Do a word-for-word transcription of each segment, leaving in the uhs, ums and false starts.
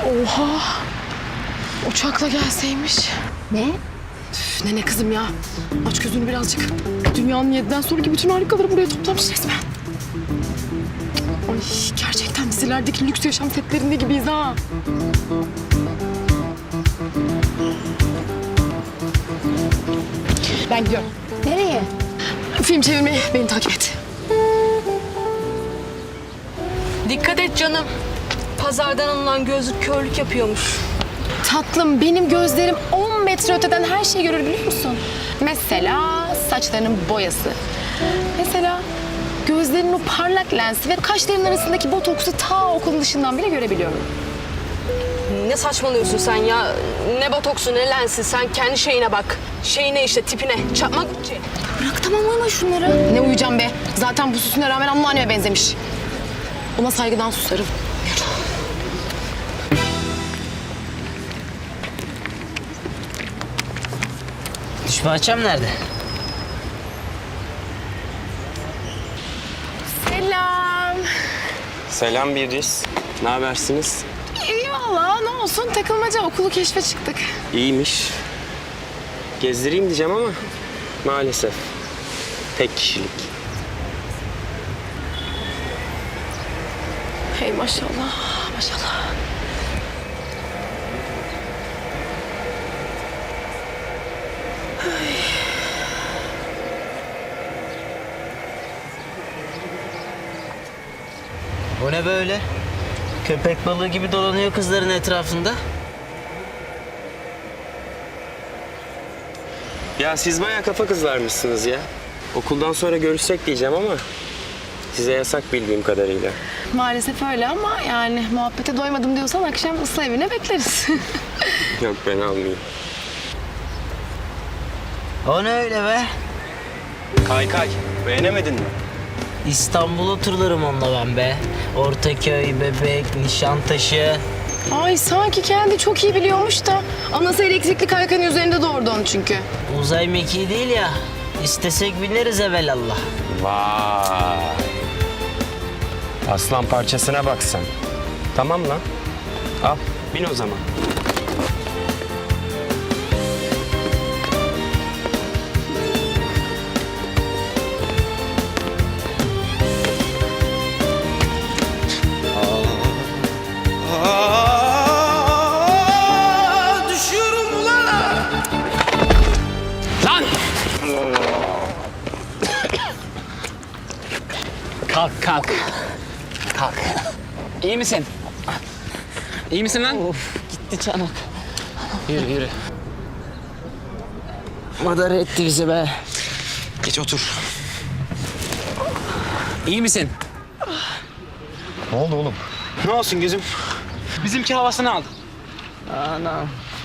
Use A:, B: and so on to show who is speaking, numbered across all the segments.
A: Oha! Uçakla gelseymiş.
B: Ne?
A: Üf, ne ne kızım ya. Aç gözünü birazcık. Dünyanın yediden sonraki bütün harikaları buraya toplamış resmen. Ay gerçekten dizilerdeki lüks yaşam setlerinde gibiyiz ha. Ben gidiyorum.
B: Nereye?
A: Film çevirmeye beni takip et.
C: Dikkat et canım. Pazardan alınan gözlük körlük yapıyormuş.
A: Tatlım benim gözlerim on metre öteden her şeyi görür biliyor musun? Mesela saçlarının boyası. Mesela gözlerinin o parlak lensi ve kaşlarının arasındaki botoksu ta okulun dışından bile görebiliyorum.
C: Ne saçmalıyorsun sen ya? Ne botoksu ne lensi. Sen kendi şeyine bak. Şeyine işte tipine. Çakmak Gucci.
A: Bırak tamam uyuma şunları. Ne uyuyacağım be? Zaten bu süsüne rağmen anneanneme benzemiş. Ona saygıdan susarım.
D: Diş bahçem nerede?
A: Selam.
E: Selam Birris. Ne habersiniz?
A: İyi valla ne olsun takılmaca okulu keşfe çıktık.
E: İyiymiş. Gezdireyim diyeceğim ama maalesef tek kişilik.
A: Hey maşallah maşallah.
D: O ne böyle? Köpek balığı gibi dolanıyor kızların etrafında.
E: Ya siz bayağı kafa kızlarmışsınız ya. Okuldan sonra görüşsek diyeceğim ama size yasak bildiğim kadarıyla.
A: Maalesef öyle ama yani muhabbete doymadım diyorsan akşam ıslah evine bekleriz.
E: Yok ben almayayım.
D: O ne öyle be?
E: Kaykay beğenemedin mi?
D: İstanbul'a turlarım onunla ben be. Ortaköy, Bebek, Nişantaşı.
A: Ay sanki kendi çok iyi biliyormuş da anası elektrikli kaykayın üzerinde doğurdu onu çünkü.
D: Uzay mekiği değil ya. İstesek bineriz evelallah.
E: Vay. Aslan parçasına bak sen. Tamam lan. Al bin o zaman.
F: Kalk kalk. Kalk. İyi misin? İyi misin lan?
D: Of gitti çanak.
F: Yürü yürü.
D: Madara etti bizi be.
F: Geç otur. İyi misin?
E: Ne oldu oğlum?
F: Ne olsun gözüm? Bizimki havasını aldı.
D: Anam.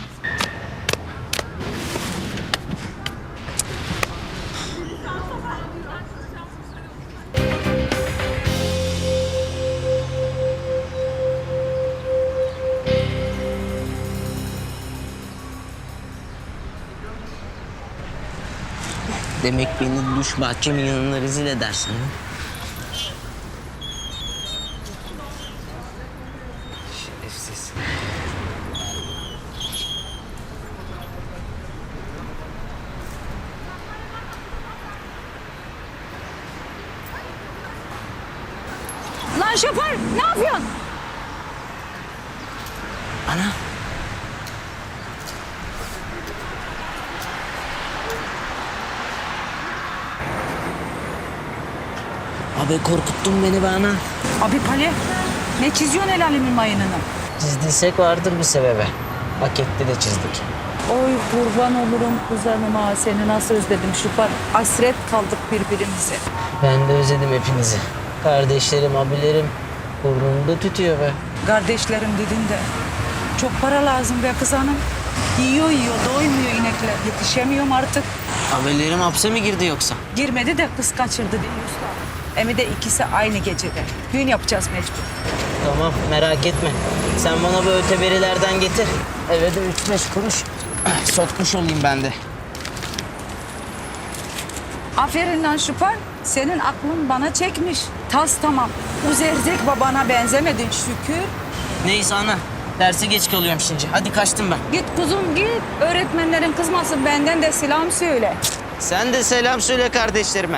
D: Demek beni duş bahçemin yanına rezil edersin ha? Şerefsiz.
B: Lan şoför ne yapıyorsun?
D: Ana. Abi korkuttun beni be ana.
G: Abi Pali, ne çiziyorsun el alemin mayınını?
D: Çizdiysek vardır bir sebebi. Hak etti de çizdik.
G: Oy kurban olurum kuzenime, seni nasıl özledim Şufar. Hasret kaldık birbirimize.
D: Ben de özledim hepinizi. Kardeşlerim, abilerim burnumda tütüyor be.
G: Kardeşlerim dedin de çok para lazım be kız hanım. Yiyor yiyor, doymuyor inekler. Yetişemiyorum artık.
D: Abilerim hapse mi girdi yoksa?
G: Girmedi de kız kaçırdı diyorsun. Hem de ikisi aynı gecede. Düğün yapacağız mecbur.
D: Tamam merak etme. Sen bana bu öteberilerden getir. Eve de üç beş kuruş sokmuş olayım ben de.
G: Aferin lan Şufar. Senin aklın bana çekmiş. Tas tamam. Bu zerzek babana benzemedin şükür.
D: Neyse ana. Derse geç kalıyorum şimdi. Hadi kaçtım ben.
G: Git kuzum git. Öğretmenlerin kızmasın, benden de selam söyle.
D: Sen de selam söyle kardeşlerime.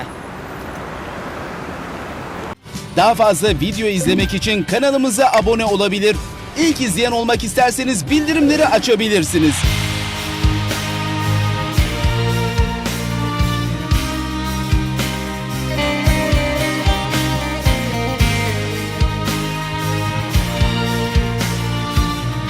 H: Daha fazla video izlemek için kanalımıza abone olabilir. İlk izleyen olmak isterseniz bildirimleri açabilirsiniz.